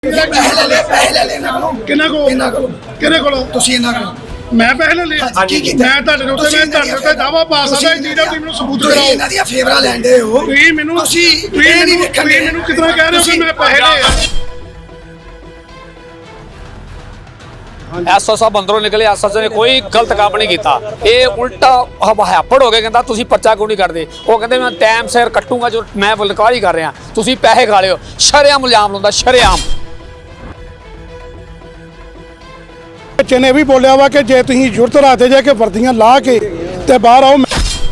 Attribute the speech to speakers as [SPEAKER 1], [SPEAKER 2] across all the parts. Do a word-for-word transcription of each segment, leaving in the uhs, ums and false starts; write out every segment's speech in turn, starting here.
[SPEAKER 1] ਕਿੰਨਾ ਕੋ ਕਿਹਦੇ ਕੋਲ ਤੁਸੀਂ ਇਹਨਾਂ ਕੋਲ ਮੈਂ ਪੈਸੇ ਲੈ ਲਿਆ ਮੈਂ ਤੁਹਾਡੇ ਉੱਤੇ ਮੈਂ ਤੁਹਾਡੇ ਉੱਤੇ ਦਾਵਾ ਪਾ ਸਕਦਾ ਜੀ ਦਾ ਤੁਸੀਂ ਮੈਨੂੰ ਸਬੂਤ ਕਰਾਓ
[SPEAKER 2] ਇਹਨਾਂ ਦੀਆਂ ਫੇਵਰਾਂ ਲੈਂਦੇ ਹੋ
[SPEAKER 1] ਤੁਸੀਂ ਮੈਨੂੰ
[SPEAKER 2] ਤੁਸੀਂ
[SPEAKER 1] ਇਹ ਨਹੀਂ ਵੇਖਣਗੇ ਮੈਨੂੰ ਕਿਤਨਾ ਕਹਿ ਰਹੇ ਹੋ ਕਿ ਮੈਂ ਪੈਸੇ ਲਏ
[SPEAKER 3] ਐਸਓ ਸਾਹਿਬ ਅੰਦਰੋਂ ਨਿਕਲੇ ਐਸਓ ਨੇ ਕੋਈ ਗਲਤ ਕੰਮ ਨਹੀਂ ਕੀਤਾ ਇਹ ਉਲਟਾ ਹੱਪੜ ਹੋ ਕੇ ਕਹਿੰਦਾ ਤੁਸੀਂ ਪਰਚਾ ਕਿਉਂ ਨਹੀਂ ਕੱਢਦੇ ਉਹ ਕਹਿੰਦੇ ਮੈਂ ਟਾਈਮ ਸਿਰ ਕੱਟੂਗਾ ਜੋ ਮੈਂ ਬਲਕਾਰੀ ਕਰ ਰਿਹਾ ਤੁਸੀਂ ਪੈਸੇ ਖਾ ਲਿਓ ਸ਼ਰੇਆਮ ਇਲਜ਼ਾਮ ਲਾਉਂਦਾ ਸ਼ਰੇਆਮ
[SPEAKER 1] ਬੱਚੇ ਨੇ ਵੀ ਬੋਲਿਆ ਵਾ ਕਿ ਜੇ ਤੁਸੀਂ ਜੁਰਤ ਰਾਤੇ ਜਾ ਕੇ ਵਰਦੀਆਂ ਲਾ ਕੇ ਤੇ ਬਾਹਰ ਆਓ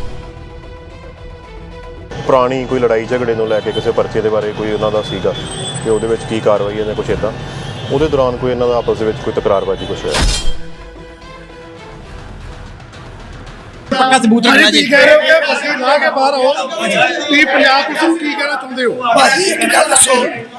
[SPEAKER 4] ਪੁਰਾਣੀ ਕੋਈ ਲੜਾਈ ਝਗੜੇ ਨੂੰ ਲੈ ਕੇ ਕਿਸੇ ਪਰਚੇ ਦੇ ਬਾਰੇ ਕੋਈ ਉਹਨਾਂ ਦਾ ਸੀਗਾ ਕਿ ਉਹਦੇ ਵਿੱਚ ਕੀ ਕਾਰਵਾਈ ਹੈ ਜਾਂ ਕੁਛ ਇਦਾਂ ਉਹਦੇ ਦੌਰਾਨ ਕੋਈ ਇਹਨਾਂ ਦਾ ਆਪਸ ਦੇ ਵਿੱਚ ਕੋਈ ਤਕਰਾਰਬਾਜ਼ੀ ਕੁਛ ਹੋਇਆ
[SPEAKER 2] ਪੱਕਾ ਸਬੂਤ ਹੈ ਜੀ
[SPEAKER 1] ਕਹਿ ਰਹੇ ਹੋ ਕਿ ਵਰਦੀ ਲਾ ਕੇ ਬਾਹਰ ਆਓ ਤੁਸੀਂ ਪੰਜਾਬ ਪੁਲਿਸ ਨੂੰ ਕੀ ਕਹਿਣਾ ਚਾਹੁੰਦੇ ਹੋ
[SPEAKER 2] ਭਾਜੀ ਇੱਕ ਗੱਲ ਦੱਸੋ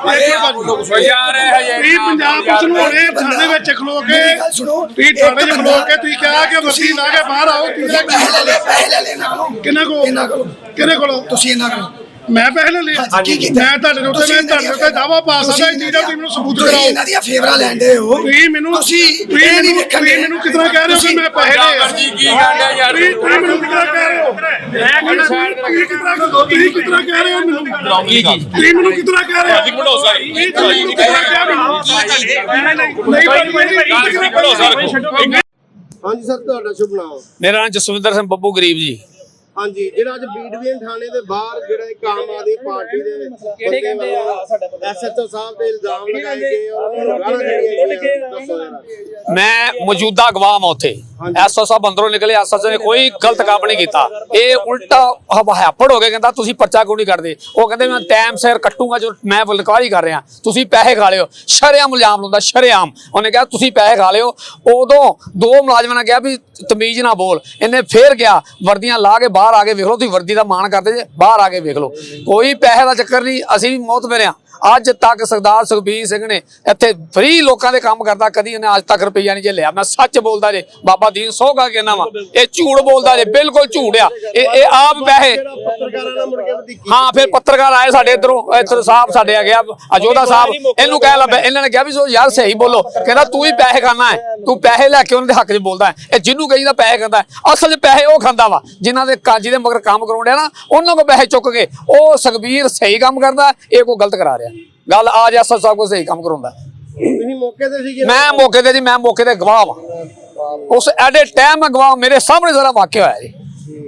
[SPEAKER 3] ਯਾਰ
[SPEAKER 1] ਤੁਸੀਂ ਪੰਜਾਬ ਪੁਲਿਸ ਨੂੰ ਹੁਣੇ ਥਾਣੇ ਵਿੱਚ ਖਲੋ ਕੇ ਤੁਸੀਂ ਥਾਣੇ 'ਚ ਖਲੋ ਕੇ ਤੁਸੀਂ ਕਿਹਾ ਕਿ ਵਰਦੀ ਲਾ ਕੇ ਬਾਹਰ ਆਓ ਤੁਸੀਂ
[SPEAKER 2] ਪੈਸੇ ਲੈ ਲੈ ਪੈਸੇ ਲੈ ਲੈ ਇਹਨਾਂ ਕੋਲੋਂ
[SPEAKER 1] ਕਿੰਨਾ ਕੋ
[SPEAKER 2] ਇਹਨਾਂ ਕੋਲੋਂ
[SPEAKER 1] ਕਿਹਦੇ ਕੋਲ
[SPEAKER 2] ਤੁਸੀਂ ਇਹਨਾਂ ਕੋਲੋਂ
[SPEAKER 1] ਮੈਂ ਪੈਸੇ ਲੈ ਲਿਆ ਮੈਂ ਤੁਹਾਡੇ ਉੱਤੇ ਮੈਂ ਤੁਹਾਡੇ ਉੱਤੇ ਦਾਵਾ ਪਾ ਸਕਦਾ ਜੀ ਦਾ ਤੁਸੀਂ ਮੈਨੂੰ ਸਬੂਤ ਕਰਾਓ
[SPEAKER 2] ਇਹਨਾਂ ਦੀਆਂ ਫੇਵਰਾਂ ਲੈਂਦੇ ਹੋ
[SPEAKER 1] ਤੁਸੀਂ ਮੈਨੂੰ
[SPEAKER 2] ਤੁਸੀਂ
[SPEAKER 1] ਤੁਸੀਂ
[SPEAKER 2] ਇਹ ਨਹੀਂ
[SPEAKER 1] ਮੈਨੂੰ
[SPEAKER 2] ਵੇਖਣਗੇ
[SPEAKER 1] ਮੈਨੂੰ ਕਿਤਨਾ ਕਹਿ ਰਹੇ ਹੋ ਕਿ ਮੈਂ ਪੈਸੇ ਲਏ
[SPEAKER 3] ਜੀ ਕੀ ਗੱਲ ਹੈ ਯਾਰ
[SPEAKER 1] ਤੁਸੀਂ ਮੈਨੂੰ ਕਿਤਨਾ ਕਹਿ ਰਹੇ ਹੋ ਤੁਸੀਂ ਕਿਤਨਾ ਤੁਸੀਂ ਕਿਤਨਾ ਕਹਿ ਰਹੇ ਹੋ ਮੈਨੂੰ ਤੁਸੀਂ ਮੈਨੂੰ ਕਿਤਨਾ ਕਹਿ ਰਹੇ ਹੋ
[SPEAKER 3] ਜੀ ਭੜੋਸਾ ਜੀ
[SPEAKER 1] ਤੁਸੀਂ ਮੈਨੂੰ ਕਿਤਨਾ ਕਹਿ ਰਹੇ ਹੋ ਨਹੀਂ ਭਾਈ
[SPEAKER 3] ਭੜੋਸਾ ਰੱਖੋ
[SPEAKER 5] ਹਾਂਜੀ ਸਰ ਤੁਹਾਡਾ ਸ਼ੁਭ ਨਾਮ
[SPEAKER 3] ਮੇਰਾ ਨਾਮ ਜਸਵਿੰਦਰ ਸਿੰਘ ਬੱਬੂ ਗਰੀਬ ਜੀ
[SPEAKER 5] ਹਾਂਜੀ ਜਿਹੜਾ ਅੱਜ ਬੀਡਵੀਨ ਥਾਣੇ ਦੇ ਬਾਹਰ ਜਿਹੜਾ ਇੱਕ ਆਮ ਆਦਮੀ ਪਾਰਟੀ ਦੇ ਕਿਹੜੇ ਕਹਿੰਦੇ ਆ ਐਸਐਚਓ ਸਾਹਿਬ ਤੇ ਇਲਜ਼ਾਮ ਲਗਾਏ ਗਏ ਔਰ ਗਾਲਾਂ ਕੱਢੀਆਂ ਦੱਸੋ ਜਰਾ
[SPEAKER 3] ਮੈਂ ਮੌਜੂਦਾ ਗਵਾਹ ਹਾਂ ਉੱਥੇ ਐਸਓ ਸਾਹਿਬ ਅੰਦਰੋਂ ਨਿਕਲੇ ਐਸਓ ਨੇ ਕੋਈ ਗਲਤ ਕੰਮ ਨਹੀਂ ਕੀਤਾ ਇਹ ਉਲਟਾ ਹੱਪੜ ਹੋ ਕੇ ਕਹਿੰਦਾ ਤੁਸੀਂ ਪਰਚਾ ਕਿਉਂ ਨਹੀਂ ਕੱਢਦੇ ਉਹ ਕਹਿੰਦੇ ਮੈਂ ਟਾਈਮ ਸਿਰ ਕੱਟੂਗਾ ਜੋ ਮੈਂ ਬਲਕਾਰੀ ਕਰ ਰਿਹਾ ਤੁਸੀਂ ਪੈਸੇ ਖਾ ਲਿਓ ਸ਼ਰੇਆਮ ਇਲਜ਼ਾਮ ਲਾਉਂਦਾ ਸ਼ਰੇਆਮ ਉਹਨੇ ਕਿਹਾ ਤੁਸੀਂ ਪੈਸੇ ਖਾ ਲਿਓ ਉਦੋਂ ਦੋ ਮੁਲਾਜ਼ਮਾਂ ਨੇ ਕਿਹਾ ਵੀ ਤਮੀਜ਼ ਨਾ ਬੋਲ ਇਹਨੇ ਫੇਰ ਗਿਆ ਵਰਦੀਆਂ ਲਾ ਕੇ ਬਾਹਰ ਆ ਕੇ ਵੇਖ ਲਓ ਤੁਸੀਂ ਵਰਦੀ ਦਾ ਮਾਣ ਕਰਦੇ ਜੇ ਬਾਹਰ ਆ ਕੇ ਵੇਖ ਲਓ ਕੋਈ ਪੈਸੇ ਦਾ ਚੱਕਰ ਨਹੀਂ ਅਸੀਂ ਵੀ ਮੌਤਬਰ ਹਾਂ ਅੱਜ ਤੱਕ ਸਰਦਾਰ ਸੁਖਬੀਰ ਸਿੰਘ ਨੇ ਇੱਥੇ ਫ੍ਰੀ ਲੋਕਾਂ ਦੇ ਕੰਮ ਕਰਦਾ ਕਦੀ ਉਹਨੇ ਅੱਜ ਤੱਕ ਰੁਪਈਆ ਨਹੀਂ ਜੇ ਲਿਆ ਮੈਂ ਸੱਚ ਬੋਲਦਾ ਜੇ ਬਾਬਾ ਦੀਨ ਸੋਗਾ ਕਹਿਣਾ ਵਾ ਇਹ ਝੂਠ ਬੋਲਦਾ ਜੇ ਬਿਲਕੁਲ ਝੂਠ ਆ ਇਹ ਇਹ ਆਪ ਪੈਸੇ
[SPEAKER 5] ਪੱਤਰਕਾਰਾਂ ਨਾਲ ਮੁੜ ਕੇ ਵਧੀਕੀ
[SPEAKER 3] ਹਾਂ ਫਿਰ ਪੱਤਰਕਾਰ ਆਏ ਸਾਡੇ ਇਧਰੋਂ ਇੱਧਰ ਸਾਹਿਬ ਸਾਡੇ ਆ ਗਿਆ ਅਜੋਧਾ ਸਾਹਿਬ ਇਹਨੂੰ ਕਹਿ ਲਾ ਇਹਨਾਂ ਨੇ ਕਿਹਾ ਵੀ ਸੋ ਯਾਰ ਸਹੀ ਬੋਲੋ ਕਹਿੰਦਾ ਤੂੰ ਹੀ ਪੈਸੇ ਖਾਣਾ ਹੈ ਤੂੰ ਪੈਸੇ ਲੈ ਕੇ ਉਹਨਾਂ ਦੇ ਹੱਕ 'ਚ ਬੋਲਦਾ ਹੈ ਇਹ ਜਿਹਨੂੰ ਕਹੀਦਾ ਪੈਸੇ ਖਾਂਦਾ ਅਸਲ 'ਚ ਪੈਸੇ ਉਹ ਖਾਂਦਾ ਵਾ ਜਿਨ੍ਹਾਂ ਦੇ ਕਾਜੀ ਦੇ ਮਗਰ ਕੰਮ ਕਰਾਉਂਦੇ ਨਾ ਉਹਨਾਂ ਕੋਲ ਪੈਸੇ ਚੁੱਕ ਕੇ ਉਹ ਸੁਖਬੀਰ ਸਹੀ ਕੰਮ ਕਰਦਾ ਇਹ ਕੋਈ ਗਲਤ ਕਰਾ ਰਿਹਾ ਗੱਲ ਆ ਜਾ ਸਭ ਕੋ ਸਹੀ ਕੰਮ ਕਰਾਉਂਦਾ
[SPEAKER 5] ਤੁਸੀਂ ਮੌਕੇ ਤੇ ਸੀਗੇ
[SPEAKER 3] ਮੈਂ ਮੌਕੇ ਤੇ ਜੀ ਮੈਂ ਮੌਕੇ ਤੇ ਗਵਾਹ ਵਾਂ ਉਸ ਐਡੇ ਟਾਈਮ ਮੈਂ ਗਵਾਹ ਮੇਰੇ ਸਾਹਮਣੇ ਸਾਰਾ ਵਾਕਿਆ ਹੋਇਆ ਜੀ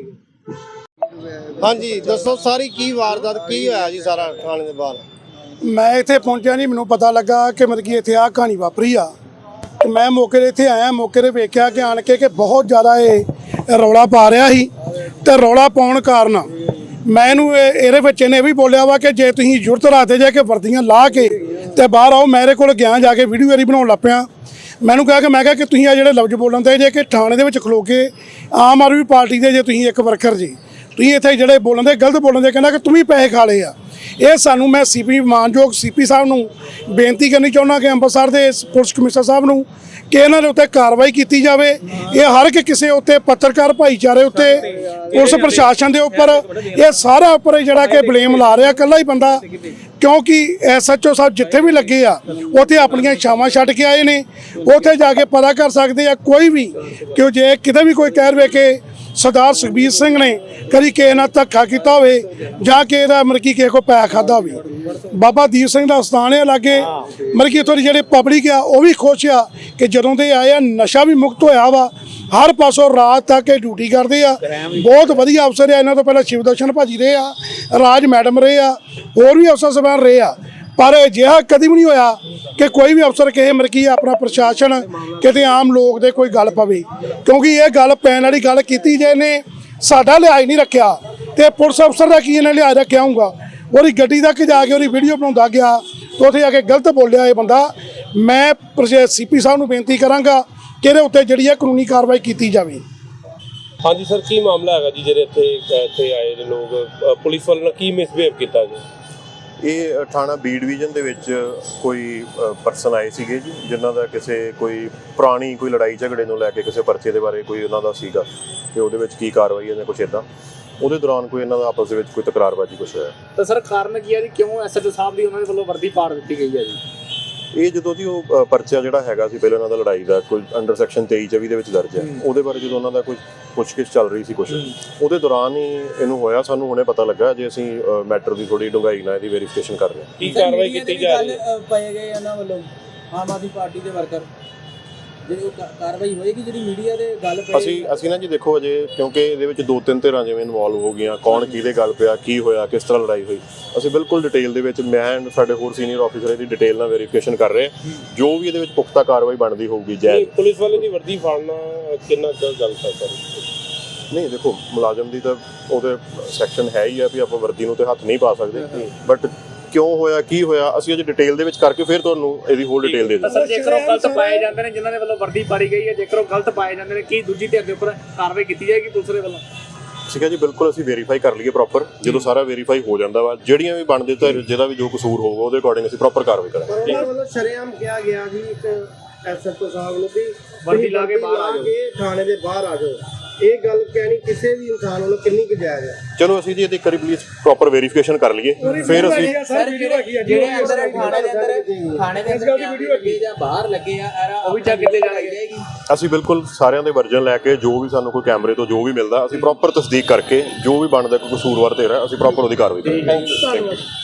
[SPEAKER 5] ਹਾਂਜੀ ਦੱਸੋ ਸਾਰੀ ਕੀ ਵਾਰਦਾਤ ਕੀ ਹੋਇਆ ਜੀ ਸਾਰਾ ਥਾਣੇ ਦੇ ਬਾਹਰ
[SPEAKER 1] ਮੈਂ ਇੱਥੇ ਪਹੁੰਚਿਆ ਨਹੀਂ ਮੈਨੂੰ ਪਤਾ ਲੱਗਾ ਕਿ ਮਤਲਬ ਕਿ ਇੱਥੇ ਆਹ ਕਹਾਣੀ ਵਾਪਰੀ ਆ ਤੇ ਮੈਂ ਮੌਕੇ 'ਤੇ ਇੱਥੇ ਆਇਆ ਮੌਕੇ 'ਤੇ ਵੇਖਿਆ ਕਿ ਆਣ ਕੇ ਕਿ ਬਹੁਤ ਜ਼ਿਆਦਾ ਇਹ ਰੌਲਾ ਪਾ ਰਿਹਾ ਸੀ ਤੇ ਰੌਲਾ ਪਾਉਣ ਕਾਰਨ ਮੈਂ ਇਹਨੂੰ ਇਹਦੇ ਵਿੱਚ ਇਹਨੇ ਵੀ ਬੋਲਿਆ ਵਾ ਕਿ ਜੇ ਤੁਸੀਂ ਜੁਰਤ ਰਾਤੇ ਜਾ ਕੇ ਵਰਦੀਆਂ ਲਾ ਕੇ ਤੇ ਬਾਹਰ ਆਓ ਮੇਰੇ ਕੋਲ ਗਿਆ ਜਾ ਕੇ ਵੀਡੀਓ ਵਾਰੀ ਬਣਾਉਣ ਲੱਗ ਪਿਆ ਮੈਨੂੰ ਕਿਹਾ ਕਿ ਮੈਂ ਕਿਹਾ ਕਿ ਤੁਸੀਂ ਆ ਜਿਹੜੇ ਲਫ਼ਜ਼ ਬੋਲਣ ਤੇ ਜੇ ਕਿ ਥਾਣੇ ਦੇ ਵਿੱਚ ਖਲੋ ਕੇ ਆਮ ਆਦਮੀ ਪਾਰਟੀ ਦੇ ਜੇ ਤੁਸੀਂ ਇੱਕ ਵਰਕਰ ਜੀ ਤੁਸੀਂ ਇੱਥੇ ਜਿਹੜੇ ਬੋਲਣ ਦੇ ਗਲਤ ਬੋਲਣ ਦੇ ਕਹਿੰਦਾ ਕਿ ਤੂੰ ਵੀ ਪੈਸੇ ਖਾ ਲਏ ਆ ਇਹ ਸਾਨੂੰ ਮੈਂ ਸੀਪੀ ਮਾਨਯੋਗ ਸੀਪੀ ਸਾਹਿਬ ਨੂੰ ਬੇਨਤੀ ਕਰਨੀ ਚਾਹੁੰਦਾ ਕਿ ਅੰਮ੍ਰਿਤਸਰ ਦੇ ਪੁਲਿਸ ਕਮਿਸ਼ਨਰ ਸਾਹਿਬ ਨੂੰ ਕਿ ਇਹਨਾਂ ਦੇ ਉੱਤੇ ਕਾਰਵਾਈ ਕੀਤੀ ਜਾਵੇ ਇਹ ਹਰ ਇੱਕ ਕਿਸੇ ਉੱਤੇ ਪੱਤਰਕਾਰ ਭਾਈਚਾਰੇ ਉੱਤੇ ਪੁਲਿਸ ਪ੍ਰਸ਼ਾਸਨ ਦੇ ਉੱਪਰ ਇਹ ਸਾਰਾ ਉੱਪਰ ਜਿਹੜਾ ਕਿ ਬਲੇਮ ਲਾ ਰਿਹਾ ਇਕੱਲਾ ਹੀ ਬੰਦਾ ਕਿਉਂਕਿ ਐਸਐਚਓ ਸਾਹਿਬ ਜਿੱਥੇ ਵੀ ਲੱਗੇ ਆ ਉੱਥੇ ਆਪਣੀਆਂ ਛਾਵਾਂ ਛੱਡ ਕੇ ਆਏ ਨੇ ਉੱਥੇ ਜਾ ਕੇ ਪਤਾ ਕਰ ਸਕਦੇ ਆ ਕੋਈ ਵੀ ਕਿ ਜੇ ਕਿਤੇ ਵੀ ਕੋਈ ਕਹਿ ਰਵੇ ਕਿ ਸਰਦਾਰ ਸੁਖਬੀਰ ਸਿੰਘ ਨੇ ਕਦੀ ਕਿਸੇ ਨਾਲ ਧੱਕਾ ਕੀਤਾ ਹੋਵੇ ਜਾਂ ਕਿ ਇਹਦਾ ਮਤਲਬ ਕਿ ਕਿਸੇ ਕੋਲ ਪੈਸਾ ਖਾਧਾ ਹੋਵੇ ਬਾਬਾ ਦੀਪ ਸਿੰਘ ਦਾ ਸਥਾਨ ਹੈ ਲਾਗੇ ਮਤਲਬ ਕਿ ਇੱਥੋਂ ਦੀ ਜਿਹੜੇ ਪਬਲਿਕ ਆ ਉਹ ਵੀ ਖੁਸ਼ ਆ ਕਿ ਜਦੋਂ ਦੇ ਆਏ ਆ ਨਸ਼ਾ ਵੀ ਮੁਕਤ ਹੋਇਆ ਵਾ ਹਰ ਪਾਸੋਂ ਰਾਤ ਤੱਕ ਇਹ ਡਿਊਟੀ ਕਰਦੇ ਆ ਬਹੁਤ ਵਧੀਆ ਅਫਸਰ ਆ ਇਹਨਾਂ ਤੋਂ ਪਹਿਲਾਂ ਸ਼ਿਵ ਦਰਸ਼ਨ ਭਾਜੀ ਰਹੇ ਆ ਰਾਜ ਮੈਡਮ ਰਹੇ ਆ ਹੋਰ ਵੀ ਅਫਸਰ ਸਾਹਿਬਾਨ ਰਹੇ ਆ ਪਰ ਅਜਿਹਾ ਕਦੀ ਵੀ ਨਹੀਂ ਹੋਇਆ ਕਿ ਕੋਈ ਵੀ ਅਫਸਰ ਕਿਸੇ ਮਤਲਬ ਕਿ ਆਪਣਾ ਪ੍ਰਸ਼ਾਸਨ ਕਿਤੇ ਆਮ ਲੋਕ ਦੇ ਕੋਈ ਗੱਲ ਪਵੇ ਕਿਉਂਕਿ ਇਹ ਗੱਲ ਪੈਣ ਵਾਲੀ ਗੱਲ ਕੀਤੀ ਜੇ ਨੇ ਸਾਡਾ ਲਿਹਾਜ਼ ਨਹੀਂ ਰੱਖਿਆ ਤੇ ਪੁਲਿਸ ਅਫਸਰ ਦਾ ਕੀ ਇਹਨੇ ਲਿਹਾਜ਼ ਰੱਖਿਆ ਹੋਊਗਾ ਉਹਦੀ ਗੱਡੀ ਤੱਕ ਜਾ ਕੇ ਉਹਦੀ ਵੀਡੀਓ ਬਣਾਉਂਦਾ ਗਿਆ ਤੇ ਉੱਥੇ ਜਾ ਕੇ ਗਲਤ ਬੋਲਿਆ ਇਹ ਬੰਦਾ ਮੈਂ ਸੀਪੀ ਸਾਹਿਬ ਨੂੰ ਬੇਨਤੀ ਕਰਾਂਗਾ ਕਿ ਇਹਦੇ ਉੱਤੇ ਜਿਹੜੀ ਹੈ ਕਾਨੂੰਨੀ ਕਾਰਵਾਈ ਕੀਤੀ ਜਾਵੇ
[SPEAKER 6] ਹਾਂਜੀ ਸਰ ਕੀ ਮਾਮਲਾ ਹੈਗਾ ਜੀ ਜਿਹੜੇ ਇੱਥੇ ਇੱਥੇ ਆਏ ਨੇ ਲੋਕ ਪੁਲਿਸ ਵੱਲੋਂ ਕੀ ਮਿਸਬਿਹੇਵ ਕੀਤਾ ਜੀ
[SPEAKER 4] ਇਹ ਥਾਣਾ ਬੀ ਡਿਵੀਜ਼ਨ ਦੇ ਵਿੱਚ ਕੋਈ ਪਰਸਨ ਆਏ ਸੀਗੇ ਜੀ ਜਿਨ੍ਹਾਂ ਦਾ ਕਿਸੇ ਕੋਈ ਪੁਰਾਣੀ ਕੋਈ ਲੜਾਈ ਝਗੜੇ ਨੂੰ ਲੈ ਕੇ ਕਿਸੇ ਪਰਚੇ ਦੇ ਬਾਰੇ ਕੋਈ ਉਹਨਾਂ ਦਾ ਸੀਗਾ ਕਿ ਉਹਦੇ ਵਿੱਚ ਕੀ ਕਾਰਵਾਈ ਹੈ ਜਾਂ ਕੁਛ ਇੱਦਾਂ ਉਹਦੇ ਦੌਰਾਨ ਕੋਈ ਇਹਨਾਂ ਦਾ ਆਪਸ ਦੇ ਵਿੱਚ ਕੋਈ ਤਕਰਾਰਬਾਜ਼ੀ ਕੁਛ ਹੋਇਆ
[SPEAKER 7] ਤਾਂ ਸਰ ਕਾਰਨ ਕੀ ਹੈ ਜੀ ਕਿਉਂ ਐਸਐਚਓ ਸਾਹਿਬ ਦੀ ਉਹਨਾਂ ਦੇ ਵੱਲੋਂ ਵਰਦੀ ਪਾੜ ਦਿੱਤੀ ਗਈ ਹੈ ਜੀ
[SPEAKER 4] ਇਹ ਜਦੋਂ ਜੀ ਉਹ ਅ, ਪਰਚਾ ਜਿਹੜਾ ਹੈਗਾ ਸੀ ਪਹਿਲਾਂ ਉਹਨਾਂ ਦਾ ਲੜਾਈ ਦਾ ਕੋਈ ਅੰਡਰ ਸੈਕਸ਼ਨ ਤੇਈ ਚੌਵੀ ਦੇ ਵਿੱਚ ਦਰਜ ਹੈ, ਉਹਦੇ ਬਾਰੇ ਜਦੋਂ ਉਹਨਾਂ ਦਾ ਕੋਈ ਪੁੱਛਗਿੱਛ ਚੱਲ ਰਹੀ ਸੀ ਕੁਛ, ਉਹਦੇ ਦੌਰਾਨ ਹੀ ਇਹਨੂੰ ਹੋਇਆ। ਸਾਨੂੰ ਹੁਣੇ ਪਤਾ ਲੱਗਾ ਜੇ ਅਸੀਂ ਮੈਟਰ ਦੀ ਥੋੜੀ ਡੂੰਘਾਈ ਨਾਲ ਇਹਦੀ ਵੈਰੀਫਿਕੇਸ਼ਨ ਕਰ ਰਹੇ ਹਾਂ।
[SPEAKER 6] ਕੀ ਕਾਰਵਾਈ ਕੀਤੀ ਜਾ ਰਹੀ ਹੈ?
[SPEAKER 7] ਪਾਏ ਗਏ ਇਹਨਾਂ ਵੱਲੋਂ ਆਮ ਆਦਮੀ ਪਾਰਟੀ ਦੇ ਵਰਕਰ ਜਿਹੜੀ ਉਹ ਕਾ- ਕਾਰਵਾਈ ਹੋਏਗੀ ਜਿਹੜੀ ਮੀਡੀਆ ਦੇ ਗੱਲ ਪਈ
[SPEAKER 4] ਅਸੀਂ ਅਸੀਂ ਨਾ ਜੀ ਦੇਖੋ ਅਜੇ ਕਿਉਂਕਿ ਇਹਦੇ ਵਿੱਚ ਦੋ ਤਿੰਨ ਧਿਰਾਂ ਜਿਵੇਂ ਇਨਵੋਲਵ ਹੋ ਗਈਆਂ, ਕੌਣ ਕਿਹਦੇ ਗੱਲ ਪਿਆ, ਕੀ ਹੋਇਆ, ਕਿਸ ਤਰ੍ਹਾਂ ਲੜਾਈ ਹੋਈ, ਅਸੀਂ ਬਿਲਕੁਲ ਡਿਟੇਲ ਦੇ ਵਿੱਚ ਮੈਂ and ਸਾਡੇ ਹੋਰ ਸੀਨੀਅਰ ਆਫੀਸਰ ਇਹਦੀ ਡਿਟੇਲ ਨਾਲ ਵੈਰੀਫਿਕੇਸ਼ਨ ਕਰ ਰਹੇ ਹਾਂ। ਜੋ ਵੀ ਇਹਦੇ ਵਿੱਚ ਪੁਖਤਾ ਕਾਰਵਾਈ ਬਣਦੀ ਹੋਊਗੀ
[SPEAKER 6] ਨਹੀਂ,
[SPEAKER 4] ਜਾਇਜ਼।
[SPEAKER 6] ਪੁਲਿਸ ਵਾਲੇ ਦੀ ਵਰਦੀ ਫਾੜਨਾ ਕਿੰਨਾ ਕੁ ਗਲਤ ਹੈ ਸਰ?
[SPEAKER 4] ਨਹੀਂ ਦੇਖੋ ਮੁਲਾਜ਼ਮ ਦੀ ਤਾਂ ਉਹਦੇ ਸੈਕਸ਼ਨ ਹੈ ਹੀ ਆ ਵੀ ਆਪਾਂ ਵਰਦੀ ਨੂੰ ਤੇ ਹੱਥ ਨਹੀਂ ਪਾ ਸਕਦੇ, ਬਟ ਕਿਉਂ ਹੋਇਆ ਕੀ ਹੋਇਆ ਅਸੀਂ ਅਜੇ ਡਿਟੇਲ ਦੇ ਵਿੱਚ ਕਰਕੇ ਫਿਰ ਤੁਹਾਨੂੰ ਇਹਦੀ ਹੋਰ ਡਿਟੇਲ ਦੇ ਦਿੰਦੇ।
[SPEAKER 8] ਸਰ ਜੇਕਰ ਉਹ ਗਲਤ ਪਾਏ ਜਾਂਦੇ ਨੇ ਜਿਨ੍ਹਾਂ ਦੇ ਵੱਲੋਂ ਵਰਦੀ ਪਾੜੀ ਗਈ ਹੈ, ਜੇਕਰ ਉਹ ਗਲਤ ਪਾਏ ਜਾਂਦੇ ਨੇ, ਕੀ ਦੂਜੀ ਧਿਰ ਦੇ ਉੱਪਰ ਕਾਰਵਾਈ ਕੀਤੀ ਜਾਏਗੀ ਪੁਲਿਸ ਦੇ ਵੱਲੋਂ?
[SPEAKER 4] ਠੀਕ ਹੈ ਜੀ, ਬਿਲਕੁਲ ਅਸੀਂ ਵੈਰੀਫਾਈ ਕਰ ਲਈਏ ਪ੍ਰੋਪਰ। ਜਦੋਂ ਸਾਰਾ ਵੈਰੀਫਾਈ ਹੋ ਜਾਂਦਾ ਵਾ, ਜਿਹੜੀਆਂ ਵੀ ਬਣਦੇ ਤਾਂ ਜਿਹਦਾ ਵੀ ਜੋ ਕਸੂਰ ਹੋਊਗਾ ਉਹਦੇ ਅਕੋਰਡਿੰਗ ਅਸੀਂ ਪ੍ਰੋਪਰ ਕਾਰਵਾਈ ਕਰਾਂਗੇ।
[SPEAKER 5] ਪਰ ਉਹਨਾਂ ਵੱਲੋਂ ਸ਼ਰੇਆਮ ਕਿਹਾ ਗਿਆ ਜੀ ਇੱਕ ਐਸਐਚਓ ਸਾਹਿਬ ਨੂੰ ਵੀ
[SPEAKER 8] ਵਰਦੀ ਲਾ ਕੇ ਬਾਹਰ ਆ ਜਾਓ।
[SPEAKER 5] ਕੇ ਥਾਣੇ ਦੇ ਬਾਹਰ ਆ ਜਾਓ। ਇਹ ਗੱਲ ਕਹਿਣੀ ਕਿਸੇ ਵੀ ਇਨਸਾਨ ਵੱਲੋਂ ਕਿੰਨੀ ਕੁ ਜਾਇਜ਼ ਹੈ?
[SPEAKER 4] ਚਲੋ ਅਸੀਂ ਜੀ ਇਹਦੀ ਇੱਕ ਵਾਰੀ ਪਲੀਜ਼ ਪ੍ਰੋਪਰ ਵੈਰੀਫਿਕੇਸ਼ਨ ਕਰ ਲਈਏ ਫਿਰ ਅਸੀਂ
[SPEAKER 7] ਸਰ ਜਿਹੜੇ ਜਿਹੜੇ ਅੰਦਰ ਥਾਣੇ ਦੇ ਅੰਦਰ ਥਾਣੇ ਦੇ ਅੰਦਰ ਕੈਮਰੇ ਲੱਗੇ ਜਾਂ ਬਾਹਰ ਲੱਗੇ ਆ ਇਹਦਾ
[SPEAKER 8] ਉਹ ਵੀ ਚੈੱਕ ਕੀਤੇ ਜਾਣਗੇ।
[SPEAKER 4] ਅਸੀਂ ਬਿਲਕੁਲ ਸਾਰਿਆਂ ਦੇ ਵਰਜਨ ਲੈ ਕੇ ਜੋ ਵੀ ਸਾਨੂੰ ਕੋਈ ਕੈਮਰੇ ਤੋਂ ਜੋ ਵੀ ਮਿਲਦਾ ਅਸੀਂ ਪ੍ਰੋਪਰ ਤਸਦੀਕ ਕਰਕੇ ਜੋ ਵੀ ਬਣਦਾ ਕੋਈ ਕਸੂਰਵਾਰ ਧਿਰ ਹੈ ਅਸੀਂ ਪ੍ਰੋਪਰ ਉਹਦੀ ਕਾਰਵਾਈ ਕਰਾਂਗੇ।